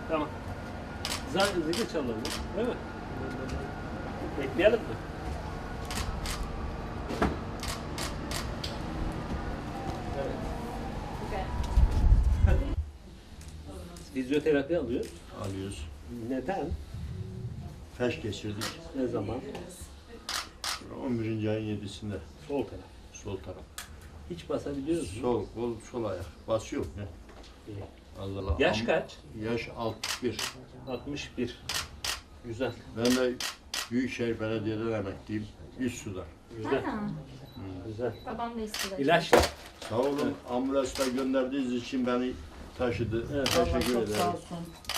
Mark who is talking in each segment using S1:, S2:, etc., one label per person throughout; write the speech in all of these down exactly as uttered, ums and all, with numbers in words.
S1: Tamam. Zil zili çalalım. Değil mi? Bekleyelim mi? Evet. Fizyoterapi alıyoruz.
S2: Alıyoruz.
S1: Neden?
S2: Felç geçirdik.
S1: Ne zaman?
S2: on birinci ayın yedisinde.
S1: Sol taraf.
S2: Sol taraf.
S1: Hiç basabiliyoruz mu?
S2: Sol kol, sol ayak. Bas yok ne?
S1: İyi.
S2: Allah
S1: Yaş
S2: Am-
S1: kaç?
S2: Yaş altmış bir.
S1: altmış bir. Güzel.
S2: Ben de Büyükşehir Belediye'den emekliyim. Üst suda.
S1: Güzel.
S3: Ha,
S1: Güzel.
S3: babam da istedi.
S1: İlaç.
S2: Sağ olun. Ambulansla gönderdiğiniz için beni taşıdı.
S1: Evet.
S2: Teşekkür
S4: Vallahi çok
S2: ederim.
S4: sağ olsun.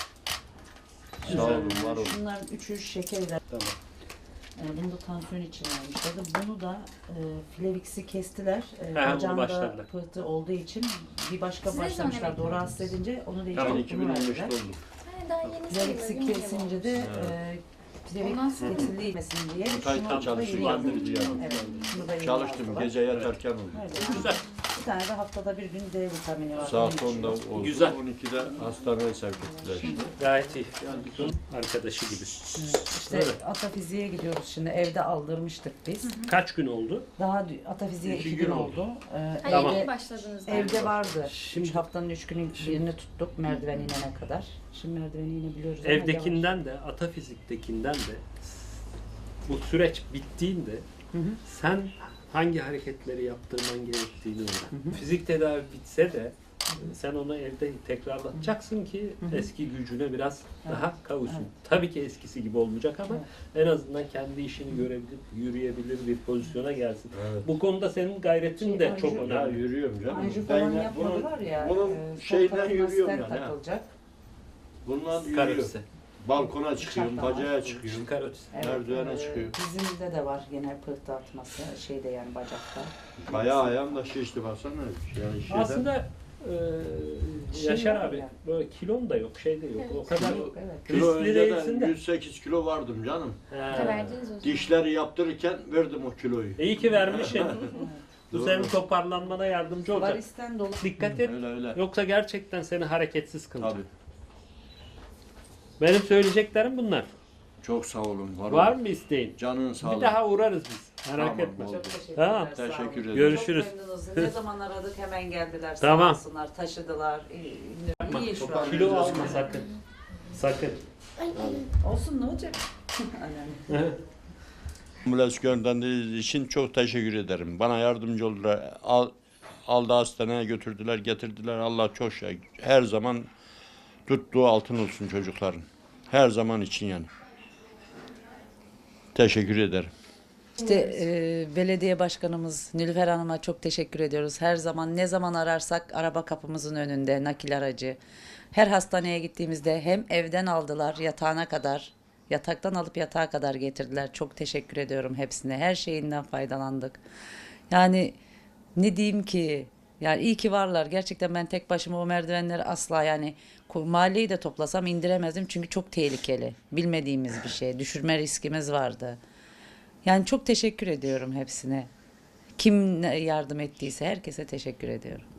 S2: Sağ olun, var olun.
S4: Şunların üçü şekerler.
S1: Tamam.
S4: Yani bunu da tansiyon için vermişlerdi. Bunu da e, Flevix'i kestiler. E,
S1: Ha, bunu
S4: bacağımda
S1: başladılar.
S4: pıhtı olduğu için bir başka
S3: Siz ne
S4: başlamışlardı. O
S3: zaman
S4: rahatsız edince onu
S2: Ben
S4: değiştirip
S2: iki bin
S4: bunu
S2: on beşte
S4: verdiler.
S2: oldum.
S3: Ha, daha yeni
S4: Flevix'i
S3: sayılır,
S4: kesince de e,
S3: Ondan
S4: Flevix
S3: sonra-
S4: kesilmesin diye
S2: Bu taytta
S4: şunu da
S2: çalışıyor,
S4: yeni
S2: yandırıcı
S4: yazdılar.
S2: yani.
S4: Evet, şunu da yeni
S2: Çalıştım.
S4: yazdılar.
S2: Gece yatarken oldu.
S4: Öyle.
S1: Güzel.
S4: Bir tane de haftada bir gün D vitamini var.
S2: Saat
S4: Onu
S2: onda
S4: içiyor.
S2: oldu.
S1: Güzel.
S2: on ikide hastaneye sevk ettiler işte.
S1: Gayet iyi. Arkadaşı gibi.
S4: İşte
S1: Evet.
S4: atafiziğe gidiyoruz şimdi. Evde aldırmıştık biz.
S1: Kaç gün oldu?
S4: Daha dü- atafiziğe
S2: İki
S4: iki
S2: gün
S4: gün
S2: oldu.
S4: oldu. Ee,
S3: Ha,
S1: Tamam.
S3: yeni
S4: evde,
S3: başladınız.
S4: evde vardı.
S1: Şimdi-
S4: Üç haftanın üç günün birini tuttuk merdiven inene kadar. Şimdi merdiveni inebiliyoruz ama yavaş.
S1: Evdekinden de, atafiziktekinden de bu süreç bittiğinde
S4: Hı hı.
S1: sen hangi hareketleri yaptırman gerektiğini öğren. Fizik tedavi bitse de sen onu evde tekrarlatacaksın ki eski gücüne biraz
S4: Evet.
S1: daha kavuşsun.
S4: Evet.
S1: Tabii ki eskisi gibi olmayacak ama en azından kendi işini görebilir, yürüyebilir bir pozisyona gelsin.
S2: Evet.
S1: Bu konuda senin gayretin
S4: Şey,
S1: de
S4: anji-
S1: çok
S2: Ya
S1: önemli.
S2: yürüyorum canım.
S4: Anji
S2: Ben
S4: falan
S2: yine
S4: yapmadılar ya.
S2: Bunun,
S4: e,
S2: bunun
S4: sol
S2: şeyden
S4: tarafına
S2: yürüyorum
S4: stent
S2: yani. ha.
S4: takılacak.
S2: Bundan yürüyorum.
S1: Karotse.
S2: Balkona çıkıyorum,
S4: Uçaktan
S2: bacağa
S4: var.
S2: çıkıyorum.
S1: Karotse.
S2: Merdivene
S4: e,
S2: çıkıyor.
S4: Dizimizde de var gene pıhtı atması. Şeyde yani bacakta.
S2: Bayağı ayağım da şişti baksana. Yani şeyden,
S1: Aslında e,
S4: Şey
S1: Yaşar
S4: var
S1: abi
S4: ya.
S1: böyle kilon da yok, şey de yok.
S3: Evet.
S1: O kadar
S4: Yok, evet.
S2: kilo
S1: riskli değilsin
S2: önceden
S1: de.
S2: yüz sekiz kilo vardım canım.
S1: He.
S3: Verdiniz o zaman.
S2: Dişleri yaptırırken verdim o kiloyu.
S1: İyi ki vermişsin. Bu
S2: Doğru.
S1: senin toparlanmana yardımcı olacak.
S4: Varisten dolu.
S1: Dikkat et.
S2: Öyle öyle.
S1: Yoksa gerçekten seni hareketsiz kılacak.
S2: Tabii.
S1: Benim söyleyeceklerim bunlar.
S2: Çok sağ olun. Var,
S1: Var
S2: olun.
S1: mı isteğin?
S2: Canın sağ
S1: Bir
S2: olun.
S1: daha uğrarız biz. Merak
S2: Tamam,
S1: etme.
S2: oldu.
S4: Çok teşekkürler.
S1: Tamam.
S4: sağ olun.
S2: Teşekkür ederim.
S1: Görüşürüz.
S4: Çok memnunuz. Ne zaman aradık hemen geldiler.
S1: Tamam.
S4: Sağ olsunlar. Taşıdılar. İyi,
S1: Yapma,
S4: iyi şu an.
S2: toparlayın.
S1: Kilo alma sakın. Sakın.
S4: Olsun ne olacak? Önemli.
S2: Ambulans gönderdiğiniz için çok teşekkür ederim. Bana yardımcı oldular. Al, aldı hastaneye götürdüler, getirdiler. Allah çok şey. Her zaman tuttuğu altın olsun çocukların. Her zaman için yani. Teşekkür ederim.
S4: İşte e, belediye başkanımız Nilüfer Hanım'a çok teşekkür ediyoruz. Her zaman ne zaman ararsak araba kapımızın önünde nakil aracı. Her hastaneye gittiğimizde hem evden aldılar yatağına kadar, yataktan alıp yatağa kadar getirdiler. Çok teşekkür ediyorum hepsine. Her şeyinden faydalandık. Yani ne diyeyim ki? Yani iyi ki varlar. Gerçekten ben tek başıma o merdivenleri asla yani ko- mahalleyi de toplasam indiremezdim. Çünkü çok tehlikeli. Bilmediğimiz bir şey. Düşürme riskimiz vardı. Yani çok teşekkür ediyorum hepsine. Kim ne yardım ettiyse herkese teşekkür ediyorum.